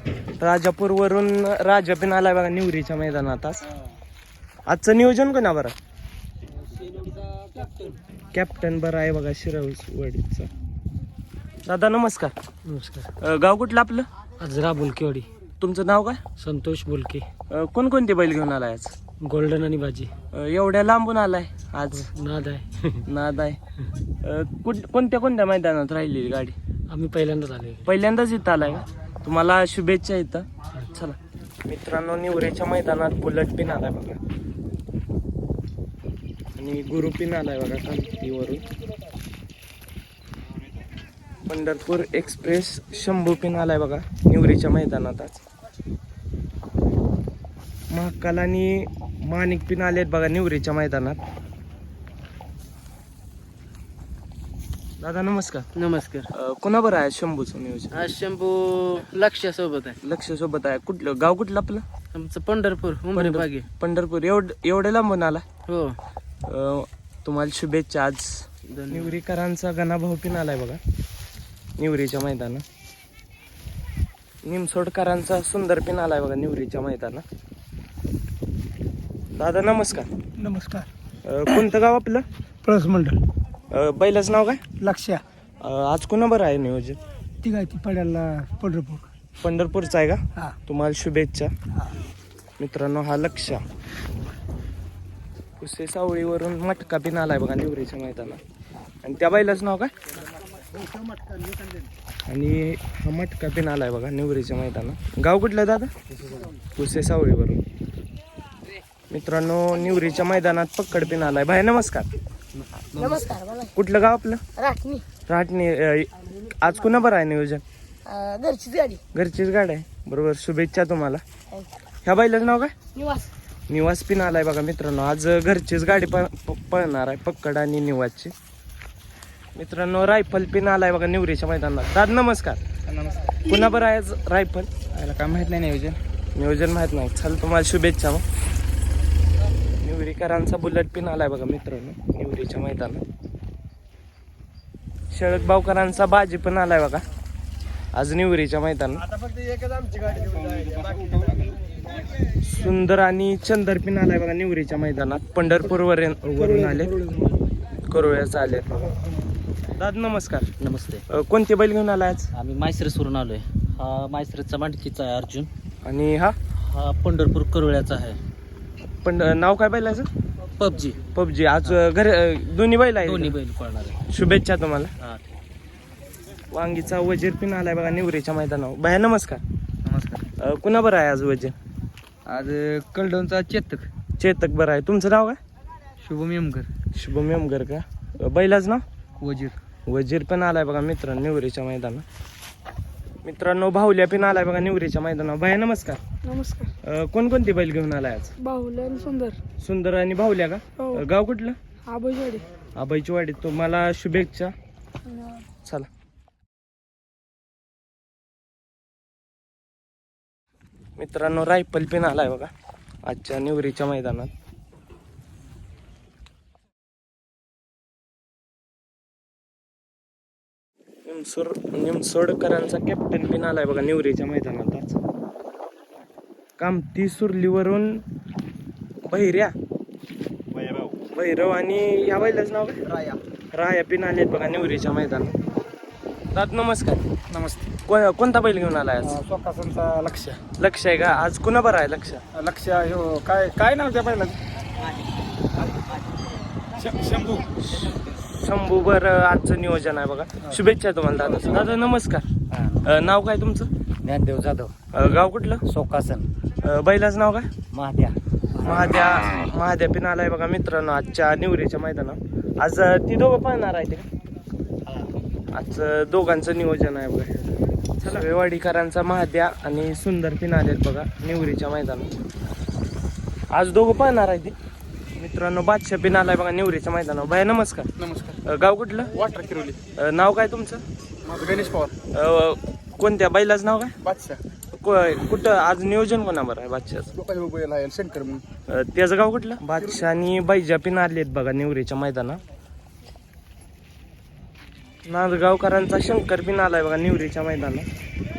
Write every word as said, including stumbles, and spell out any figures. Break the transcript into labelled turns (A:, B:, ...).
A: राजापूरवरून राजा पण आलाय बघा निवरीच्या मैदानात. आज आजचं नियोजन कोणा बरं? कॅप्टन बरं आहे बघा शिरवडीचा. दादा नमस्कार.
B: नमस्कार.
A: अ, गाव कुठलं आपलं?
B: अजरा बुलकेवाडी.
A: तुमचं नाव काय?
B: संतोष बुलके.
A: अ, कोणकोणते बैल घेऊन आलाय आज?
B: गोल्डन आणि बाजी.
A: अ, एवढ्या लांबून आलाय आज?
B: नाद आहे.
A: नाद आहे. अ, कुठ- कोणत्या कोणत्या मैदानात राहिलेली गाडी?
B: आम्ही पहिल्यांदाच आले.
A: पहिल्यांदाच इथं आलाय का? तुम्हाला शुभेच्छा इथं. चला मित्रांनो, निवरेच्या मैदानात बुलेट पिन आलाय बघा आणि गुरु पिन आलाय बघा कांतीवरून. पंढरपूर एक्सप्रेस शंभू पिन आलाय बघा निवरीच्या मैदानात आज. महाकाल आणि माणिक पिन आलेत बघा निवरीच्या मैदानात. दादा नमस्कार.
B: नमस्कार.
A: अ, कोणाबर आहे शंभूचं नियोजन?
B: आज शंभू लक्ष सोबत आहे.
A: लक्ष सोबत आहे. कुठलं गाव कुठलं आपलं?
B: आमचं पंढरपूर उमरे बागे.
A: पंढरपूर. एवढ एवढे लांबून आला?
B: हो.
A: अ, तुम्हाला शुभेच्छा. आज निवरीकरांचा गणाभाऊ पिन आलाय बघा निवरीच्या मैदानात. निमसोडकरांचा सुंदर पिन आलाय बघा निवरीच्या मैदानात. दादा नमस्कार.
C: नमस्कार.
A: अ, कोणतं गाव आपलं?
C: प्रस मंडळ.
A: अ, बैलाचं नाव काय?
C: लक्ष्या.
A: अ, आज कोणा बरं आहे नियोजन?
C: ती काय ती पड्याला पंढरपूर.
A: पंढरपूरचा आहे का?
C: हा.
A: तुम्हाला शुभेच्छा.
C: हा.
A: मित्रांनो हा लक्ष्या कुसे सावळीवरून मटका पिन आलाय बघा निवरीच्या मैदानात. आणि त्या बैलाचं नाव काय? आणि हा मटका पिन आलाय बघा निवरीच्या मैदानात. गाव कुठलं दादा? कुसे सावळीवरून. मित्रांनो निवरीच्या मैदानात पक्कड पिन आलाय. भाई नमस्कार.
D: नमस्कार. मला
A: कुठलं गाव आपलं?
D: राखणी.
A: राहटणी. अ, आज कुणा बरं आहे नियोजन?
D: अं, घरचीच गाडी.
A: घरचीच गाडी आहे. बरोबर, शुभेच्छा तुम्हाला. ह्या बैलाचं नाव काय?
D: निवास.
A: निवास पिन आलाय बघा मित्रांनो. आज घरचीच गाडी प प- पळणार आहे पक्कड आणि निवासची. मित्रांनो रायफल पिन आलाय बघा निवरीच्या मैदानात. दादा नमस्कार.
C: नमस्कार.
A: पुन्हा बरं आहे आज रायफल?
C: याला काय माहित नाही नियोजन.
A: नियोजन माहित नाही. चल तुम्हाला शुभेच्छा. मग निवरीकरांचा बुलेट पिन आलाय बघा मित्रांनो निवरीच्या मैदानात. शळक बावकरांचा बाजी पण आलाय बघा आज निवरीच्या मैदानात. सुंदर आणि चंदर पिन आलाय बघा निवरीच्या मैदानात. पंढरपूर वरून वरून आले, करोळ्याचा आले बघा. दादा नमस्कार.
B: नमस्ते.
A: अ, कोणते बैल घेऊन आलाय आज?
B: आम्ही मायसरेसवरून आलोय. हा मायसरेचा मांडकीचा आहे अर्जुन.
A: आणि हा
B: हा पंढरपूर करोळ्याचा आहे
A: पण नाव काय बैलाचं?
B: पबजी.
A: पबजी. आज घर दोन्ही बैल आहे.
B: दोन्ही बैल पळणार आहे.
A: शुभेच्छा तुम्हाला.
B: हा.
A: वांगीचा वजीर पिन आलाय बघा निवरीच्या मैदानावर. भया नमस्कार.
C: नमस्कार.
A: अ, कुणा बरं आहे आज वजीर?
C: आज कलडोनचा चेतक.
A: चेतक बरं आहे. तुमचं नाव काय?
C: शुभम यमकर.
A: शुभम यमगर का? अ, बैलाचं नाव?
C: वजीर.
A: वजीर पण आलाय बघा मित्रांनो निवरीच्या मैदानात. मित्रांनो भाऊल्या पिन आलाय बघा निवरीच्या मैदानावर. भया नमस्कार.
D: नमस्कार.
A: अ, कोणकोणती बैल घेऊन आलाय आज?
D: बाहुल्या सुंदर.
A: सुंदर आणि भाऊल्या का?
D: हो.
A: अ, गाव कुठलं?
D: आबोजवाडी.
A: आबाईची वाडी. तुम्हाला शुभेच्छा. चला मित्रांनो रायफल पिन आलाय बघा आजच्या निवरीच्या मैदानात. निमसोड निमसोडकरांचा कॅप्टन पिन आलाय बघा निवरीच्या मैदानात आज. कामती सुरलीवरून बहिऱ्या भैरव आणि या बैलाचं नाव काय?
C: राया.
A: राया पिन आलेत बघा निवरीच्या मैदानात. दादा नमस्कार.
C: नमस्ते.
A: को कोणता बैल घेऊन आलाय आज?
C: स्वकासांचा लक्ष.
A: लक्ष आहे का? आज कुणा बरं आहे लक्ष?
C: लक्ष हो काय काय नाव त्या पहिला? शंभू.
A: शंभू बर आजचं नियोजन आहे बघा. शुभेच्छा तुम्हाला दादा. दादा नमस्कार. अ, नाव काय तुमचं?
B: ज्ञानदेव जाधव.
A: अ, गाव कुठलं?
B: सोकासन.
A: अ, बैलाचं नाव काय?
B: महाद्या.
A: महाद्या. महाद्या पिन आलाय बघा मित्रांनो आजच्या निवरीच्या मैदानात. आज अ, ती दोघं पाहणार आहे ते का? आज अ, दोघांचं नियोजन आहे बघा. चला वेवाडीकरांचा महाद्या आणि सुंदर पिन आलेत बघा निवरीच्या मैदानात. आज दोघं पाहणार आहे ते मित्रांनो. बादशाह पिन आलाय बघा निवरीच्या मैदानावर. भया नमस्कार.
C: नमस्कार.
A: अ, गाव कुठलं?
C: वाटर किरोली.
A: अ, नाव काय तुमचं?
C: माझं गणेश पवार.
A: अ, कोणत्या बैलाचं नाव काय?
C: बादशाह.
A: को- कुठं आज नियोजन कोणाबर आहे बादशाहचं?
C: गोपाल बैल आहे शंकर म्हणून.
A: अ, त्याचं गाव कुठलं? बादशाह आणि बैजा पिन आलेत बघा निवरीच्या मैदानात. नांदगावकरांचा शंकर पिन आलाय बघा निवरीच्या मैदानात.